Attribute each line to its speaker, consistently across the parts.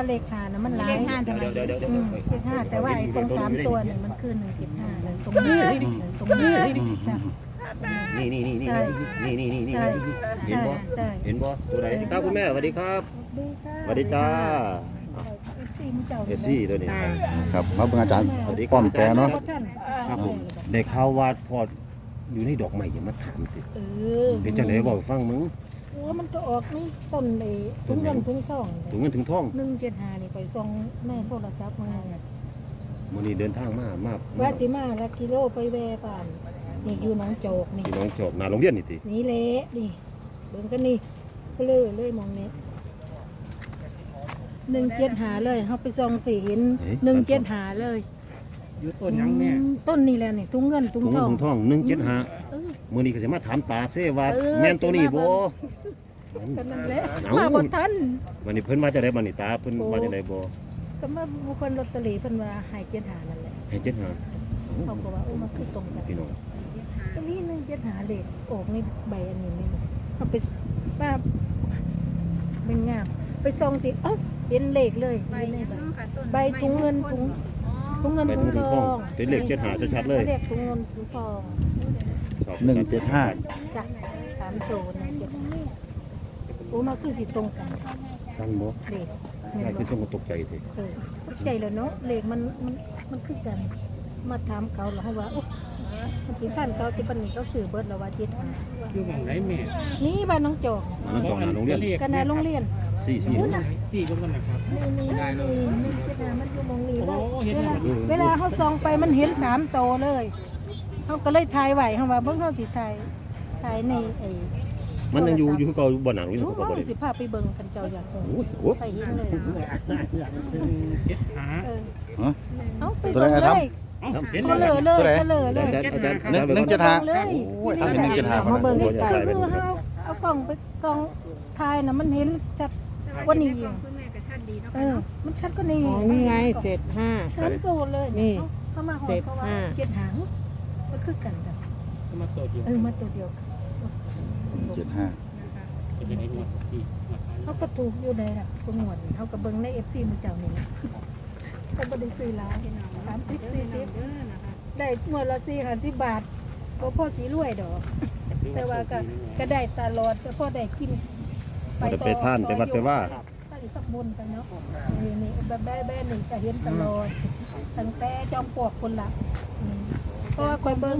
Speaker 1: เลขหานะมันหลาย
Speaker 2: เลขห้าทำไม
Speaker 3: เดี๋ยว
Speaker 1: เลขห้าแต่ว่าไอ้ตรง3ตัวเนี่ยมันคือ175เลยตรงนี้ตรงนี้จ้ะ
Speaker 3: นี่เห็นบ่
Speaker 1: ใช่
Speaker 3: เห็นบ่ตัวไหนครับคุณแม่สวัสดีครับ
Speaker 1: ดีค่ะ
Speaker 3: สวัสดีจ้า
Speaker 1: FC มึงเจ้า
Speaker 3: เอฟซีตัวนี้
Speaker 4: ครับมาเป็นอาจารย์ป้อมแปรเนาะ
Speaker 3: ครับผมได้ข่าวว่าพออยู่ในดอกไม้อย่ามาถามสิ เป็นจังได๋บอกฟังมึง
Speaker 1: มันก็ออกนี่ต้นเลยถุงเงินถุงทอง
Speaker 3: ถึงเงินถึงทอง
Speaker 1: 175นี่ไปส่งแม่โทรศัพท์มา
Speaker 3: มื้อนี้เดินทางมา
Speaker 1: ว่าสิมาละกิโลไปแวบ้านนี่อยู่หนองโจกนี่
Speaker 3: พี่น้องจบหน้าโรงเรียนนี่ติ
Speaker 1: นี่เละนี่เบิ่งกันนี่ก็เลยมองนี้175เลยเฮาไปส่องสิเห็น175เลย
Speaker 2: อยู่ต้นยังแม่
Speaker 1: ต้นนี่แหละนี่ถุงเงินถุง
Speaker 3: ถุง
Speaker 1: ท
Speaker 3: เงิน
Speaker 1: อง
Speaker 3: ถึงทอง175มื้อนี้ก็สิมาถามตาเซว่าแม่นตัวนี้บ่
Speaker 1: กันนั่นแหละมาบ่ทัน
Speaker 3: วันนี้เพิ่นว่าจะได้บัดนี้ตาเพิ่นว่าจะได้บ่
Speaker 1: ก็มาบุคคลลอตเตอรี่เพิ่นว่าให้75นั่นแหละ
Speaker 3: ให้75
Speaker 1: เขาก็ว่ามันคือตรงกัน
Speaker 3: พี่น้อง
Speaker 1: ก็นี่175เลขออกนี่ใบอันนี้นี่เอาไปป้าเป็นงามไปส่องสิเอ้าเห็นเลขเลยใบถุงเงินถุงเงิน
Speaker 3: ไป
Speaker 1: ถุ
Speaker 3: ถึ
Speaker 1: ง
Speaker 3: ง
Speaker 1: ท
Speaker 3: ท
Speaker 1: อ
Speaker 3: อง
Speaker 1: ง
Speaker 3: เป็นเลข75ชัดๆเลย
Speaker 1: เลขถุงเงินถุงทอง
Speaker 4: 175
Speaker 1: จ้ะ3ตัวนะเจ็ดโอ้มาคือสิตรงกัน
Speaker 3: สั่นบ่
Speaker 1: เลข
Speaker 3: ได้คือส่งตกใจสิ
Speaker 1: ตกใจแล้วเนาะเลขมันคือกัน มาถามเขาแล้วเขาว่าโอ้มันสิท่านเขาที่ปานนี้เขาซื้อเบิดแล้วว่า75
Speaker 2: อยู่หม่องไหนแม่
Speaker 1: นี่บ้านน้องจอก
Speaker 3: อันนั้นของหน้าโรงเรียน
Speaker 1: กันในโรงเรียน
Speaker 3: 4
Speaker 1: นู่นน่ะ
Speaker 2: สี่ก็กันนะครับ
Speaker 1: นี่มันอยู่มองนี้
Speaker 2: โอ้เห็น
Speaker 1: เวลาเขาส่องไปมันเห็น3โตวเลยเขาก็เลยถ่ายไว้เขาว่าเบิ่งเขาสิถ่ายในไอ้
Speaker 3: มันยังอยู่คือเก่าบ่หนังอยู่
Speaker 1: รู้
Speaker 3: คือเก่าบ่
Speaker 1: ว่า
Speaker 3: ได้
Speaker 1: สิพาไปเบิ่งกันเจ้าอยากเบิ่ง
Speaker 3: โอ้ยโอ้ย
Speaker 1: ไปเห็นเลย
Speaker 2: เจ็ดหา
Speaker 1: เออ
Speaker 4: ฮะ
Speaker 1: เอาไป
Speaker 4: ตัว
Speaker 1: เบิ่ง
Speaker 4: ไหน
Speaker 1: เล
Speaker 4: ครับ
Speaker 1: ย
Speaker 2: เห็น
Speaker 1: ก็เลยเลยก็เลยเลย
Speaker 3: อาจารย์
Speaker 4: 175
Speaker 1: เลย
Speaker 4: โอ้ยทำเป็น175
Speaker 1: มาเบิ่ง
Speaker 3: ใก
Speaker 1: ใก
Speaker 3: ล้
Speaker 1: ล้
Speaker 3: ๆ
Speaker 1: ๆคือเอากล้องไปกล้องถ่ายน่ะมันเห็นชัดกว่านี้อีกมันชัดกว่านี้
Speaker 5: อ๋อนี่ไง75
Speaker 1: ชัดโตเลย
Speaker 5: นี่
Speaker 1: เขามาหอดเขาว่า7หางมันคือกันจ้ะ
Speaker 2: มาตัวเดียว
Speaker 1: มาตัวเดียวกัน
Speaker 4: 75
Speaker 2: จะเป็นไอ้หนวดที่
Speaker 1: เขาก็ถูกอยู่ในน่ะตัวหนวดนี่เขาก็เบิ่งใน FC มื้อเจ้านี่นะเขาบ่ได้ซื้อหลาย30 40ได้หมดละ40 50 บาทบ่พอสิรวยดอก แต่ว่าก็ได้ตลอดก็พอได้กิน
Speaker 3: จะไปท่านไปวัดไปว่า
Speaker 1: ไปสักบนกันเนาะนี่แบบแบ่นี่ก็เห็นตลอดตั้งแต่จอมปลวกคนละเพราะว่าคอยเบิ่ง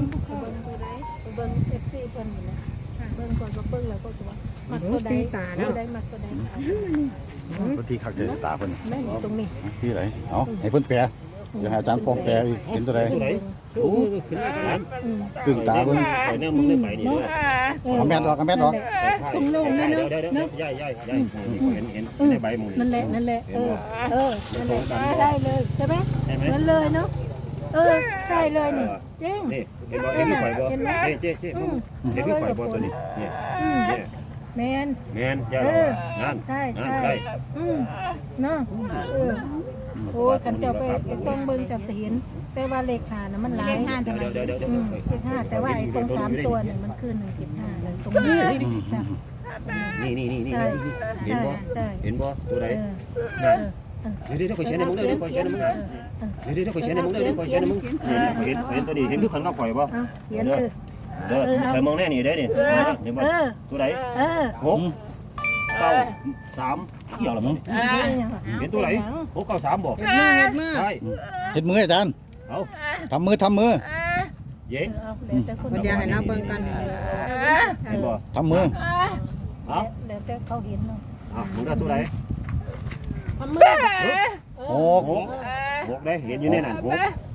Speaker 1: FC เพิ่นนี่นะเบิ่งก่อนก็เบิ่งแล้วก็จะว่ามักตัวใดตัวใดมักตัวใด
Speaker 4: บางทีคักจะตาเพิ่น
Speaker 1: แม่นี่ตรงนี้
Speaker 4: ที่ไหนเอาให้เพิ่นแปรเดี๋ยวให้อาจารย์ป้อมแปรอีกเห็นตัวใด
Speaker 3: ตัวไหน
Speaker 2: โอ้ขึ้นมาแล้ว
Speaker 4: กึ่งตาเพิ่น
Speaker 3: ไปแน่มึงได้ไปนี่ด้วย
Speaker 4: เอาแม่นออกเอาแม่นออก
Speaker 1: ตรงโลงนี่เนาะ
Speaker 3: เดี๋ยวย่ายเห็นในใบมึง
Speaker 1: นั่นแหละนั่นแหละนั่นแหละได้เลยใช่ไหม
Speaker 3: ใช่ไหม
Speaker 1: นั่นเลยเนาะใช่เลยนี่จริง
Speaker 3: นี่เห็นบ่เห็นพี่ข่อยบ่เจ๊เห็นพี่ข่อยบ่ตัวนี้เนี่ย
Speaker 1: แมน
Speaker 3: แม่นย่านั่น
Speaker 1: ใช่
Speaker 3: นั่น
Speaker 1: ใช่
Speaker 3: ได้
Speaker 1: เนาะโอ้ยขันเจ้าไปส่องเบิ่งจับเห็นแต่ว่าเลขหานะมันหลาย
Speaker 2: เลขห้าทำไม
Speaker 3: เดี๋ยว
Speaker 1: เลขห้าแต่ว่าไอ้ตรง3ตัวเนี่ยมันคือ175เลยตรงนี้จ้ะ
Speaker 3: นี่เห็นบ่
Speaker 1: ใช่
Speaker 3: เห็นบ่ตัวไหนเดี๋ยวข่อยเขียนให้มึงเดี๋ยวข่อยเขียนให้มึงเดี๋ยวข่อยเขียนให้มึงเดี๋ยวข่อยเขียนให้มึงเห็นตัวนี้เห็นทุกคนก็ข่อยบ่
Speaker 1: เขียน
Speaker 3: เด้อข่อยมองแน่นี่เด้นี่เห็นบ่ตัวไหน6 9 3เกี่ยวหรอมึงเห็นตัวไหน6 9 3บ่ใช่
Speaker 4: เฮ็ดมืออาจารย์
Speaker 3: เอา
Speaker 4: ทำมือ
Speaker 3: เย้
Speaker 5: เดี๋ยวให้เราเบิ่งกัน
Speaker 3: เห็นบ่
Speaker 4: ทำมือ
Speaker 3: เอา
Speaker 1: เดี๋ยวแต่เขาเห็นเนาะ
Speaker 3: เอามึงได้ตัวไหน
Speaker 1: ทำมือ
Speaker 4: โอ้
Speaker 3: 6ได้เห็นอยู่ในนั้น6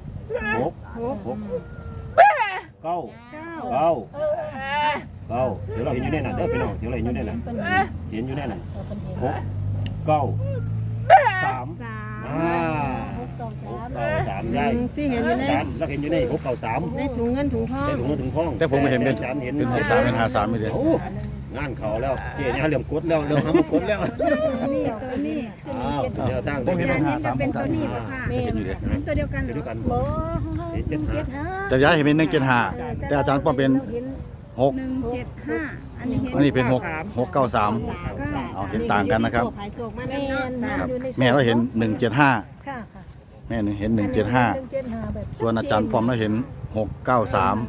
Speaker 3: 9 เดี๋ยวเราเห็นอยู่ในนั้นเด้อพี่น้องเดี๋ยวเราเห็นอยู่ในนั้นเห็นอยู่ในนั้น6 9 33ได้
Speaker 5: ที่เห็นอยู่ใน
Speaker 3: แล้วเห็นอยู่ใน6 9 3
Speaker 5: ในถุงเงินถุงทอง
Speaker 3: ได้ถุงเงินถุงทอง
Speaker 4: แต่ผมไม่เห็นเป็น
Speaker 3: จานเห็น
Speaker 4: เป็น63เป็น53ไม่ได้
Speaker 3: โอ้งานเขาแล้วเจ๊เนี่ยเริ่มกดแล้วเริ่มทำกดแล้ว
Speaker 2: นี่ตัวนี้
Speaker 3: อ้าวเดี๋ยวตั้ง
Speaker 4: ผมเห็น
Speaker 2: อาจารย์เห็นจะเป็นตัวนี้ป่ะค่ะ
Speaker 4: เห็นอยู่เด้
Speaker 2: เห็นตัวเดียวกันเหร
Speaker 3: เดี๋ยว
Speaker 2: อ
Speaker 3: กัน
Speaker 1: บ่
Speaker 3: เห็น75
Speaker 4: แต่ย้ายเห็นเป็น175แต่อาจารย์ป้อมเป็น
Speaker 2: 175อันนี้เห็น
Speaker 4: อันนี้เป็น6 693
Speaker 2: ก็
Speaker 4: เอาเห็นต่างกันนะครับ
Speaker 5: ขายโศกมา
Speaker 1: แม่
Speaker 5: แล้วเนาะ
Speaker 1: นอยู่ใน
Speaker 4: แม่เราเห็น
Speaker 1: ค่ะ
Speaker 4: 175
Speaker 1: ค่ะ
Speaker 4: แม่เห็น
Speaker 1: 175 แบบ
Speaker 4: 175ส่วนอาจารย์ปอมเราเห็น 693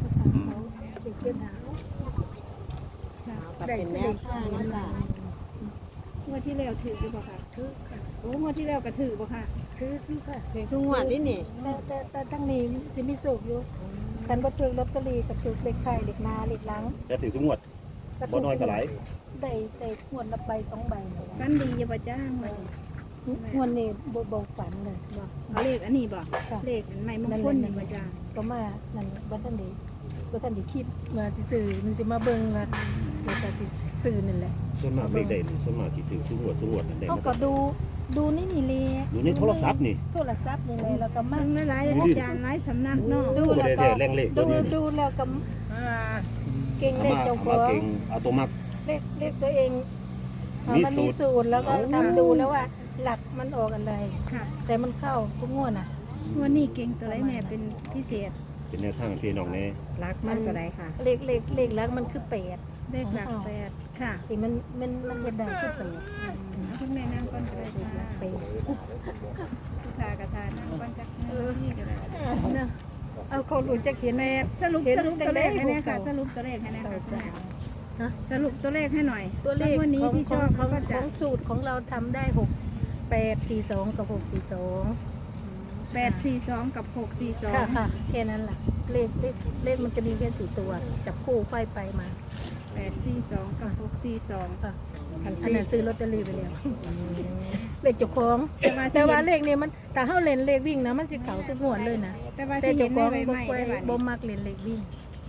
Speaker 1: ได้
Speaker 5: เป็น
Speaker 1: เล
Speaker 5: แนว
Speaker 1: ข
Speaker 5: ทางนะจ๊ะ
Speaker 2: งวดที่แล้วถือหรือเปล่าคะ
Speaker 1: ถือค่ะ
Speaker 2: โอ้งวดที่แล้วก็ถือบ่ค่ะ
Speaker 1: ถือค่ะ
Speaker 5: ทุกงวดนี่นี่
Speaker 1: แต่ทั้งนี้จะมีสุกอยู่คันบ่ถือลอตเตอรี่กับถือเลขไข่เลขหน้าเลขหลัง
Speaker 3: แต่ถือสงวดบ่น้อยก็หลาย
Speaker 1: ได้งวดละใบ2 ใบ
Speaker 2: ฟันดีอย่าบ่จ้างเลย
Speaker 1: งวดนี้บ่ฝันเลยว่า
Speaker 2: เอาเลขอันนี้บ่เลขอันใหม่มงคลนี่บ่จ้าง
Speaker 1: ก็มานั่นบ่ทันได้คิดว่าสิซื้อมันสิมาเบิ่งว่าแล้วก็สิซื้อนั่นแหละ
Speaker 3: ส่วนมากเลขใดนี่ส่วนมากที่ถือสงวดนั่นได้
Speaker 1: เขาก็ดูนี่แหละ
Speaker 3: อยู่ในโทรศัพท์นี่
Speaker 1: โทรศัพท์นี่แหละแล้วก็มา
Speaker 2: มันหลายอาจารย์หลายสำนักเนาะ
Speaker 1: ดู
Speaker 3: บ่
Speaker 1: แล้ว
Speaker 3: ได้
Speaker 1: ก็
Speaker 3: แท้แรงเลขตัวนี้
Speaker 1: ดูแล้วก็เก่งเลขเจ้าข
Speaker 3: มา
Speaker 1: อง
Speaker 3: เก่งเอาตัวมัก
Speaker 1: เลขตัวเองมันมีสูตรแล้วก็ทำดูแล้วว่าหลักมันออกอะไร
Speaker 2: ค่ะ
Speaker 1: แต่มันเข้าทุกงวดน่ะ
Speaker 2: งวดนี้เก่งตัวไรแม่เป็นพิเศษ
Speaker 3: เป็นแนวทางให้พี่น้องแน่
Speaker 5: รักมันก็ได้ค่ะ
Speaker 1: เลขหลักมันคือ8
Speaker 2: เลขหลักแปดค่ะ
Speaker 1: ที่มันเฮ็ดได้คือ8
Speaker 2: คุณแม่นั่งก่อนก็ได้ค่ะ
Speaker 1: 8
Speaker 2: สุธากระทานั่งก่อนจักนี่ก็ได้
Speaker 1: นะเอาเขารู้จักเห็น
Speaker 2: แม่สรุปตัวเลขให้แน่ค่ะ สรุปตัวเลขให้แน่
Speaker 1: เก่า
Speaker 2: ค่ะ
Speaker 1: สามฮะ
Speaker 2: สรุปตัวเลขให้หน่อย
Speaker 1: ตัวเลข
Speaker 2: วันนี้ที่ชอบเขาก็
Speaker 1: ข
Speaker 2: จะ
Speaker 1: องสูตรของเราทำได้6 8 4 2กับ6 4
Speaker 2: 842กับ
Speaker 1: 2ค่ะค่ะแค่นั้นแหละเลขมันจะมีแค่4 ตัวจับคู่ไขว้ไปมา
Speaker 2: 642 842กับ642
Speaker 1: ค่ะ
Speaker 2: คัน
Speaker 1: อัน
Speaker 2: ซี่
Speaker 1: นั้นซื้อลอตเตอรี่ไปแล้วเลขเจ้าของ
Speaker 2: แต่ว่า
Speaker 1: แต่ว่าเลขนี้มันแต่เฮาเล่นเลขวิ่งนะมันสิเข้าทุกงวดเลยนะ
Speaker 2: แต่ว่า
Speaker 1: แต่
Speaker 2: ที่เห็
Speaker 1: เจ้าน ข
Speaker 2: ใน
Speaker 1: อง
Speaker 2: ใบ
Speaker 1: บ่
Speaker 2: ไม้
Speaker 1: ค่อย
Speaker 2: ได้บัด
Speaker 1: บ่
Speaker 2: นี้
Speaker 1: มักเล่นเลขวิ่ง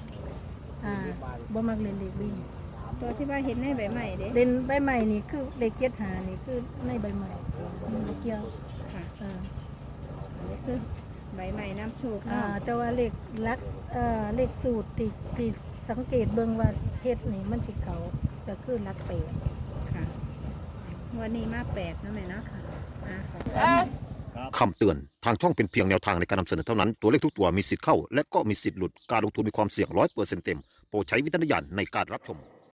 Speaker 1: บ่มักเล่นเลขวิ่ง
Speaker 2: ตัวที่ว่าเห็นในใบไม้เด้
Speaker 1: เล่นใบใหม่นี่คือเลข7หานี่คือในใบใหม่มันบ่เกี่ยว
Speaker 2: ค่ะ
Speaker 1: อ่า
Speaker 2: คือใบไม้น้ำโชค
Speaker 1: อ่า
Speaker 2: เนาะ
Speaker 1: แต่ว่าเลขสูตรที่สังเกตเบิ่งว่าเฮ็ดนี่มันสิเขาก็คือหลักแปด
Speaker 2: ค่ะวันนี้มา8นะแม่เนาะอ่ะ
Speaker 6: คำเตือน ทางช่องเป็นเพียงแนวทางในการนำเสนอเท่านั้น ตัวเลขทุกตัวมีสิทธิ์เข้า และก็มีสิทธิ์หลุด การลงทุนมีความเสี่ยง100%เต็ม โปรดใช้วิจารณญาณในการรับชม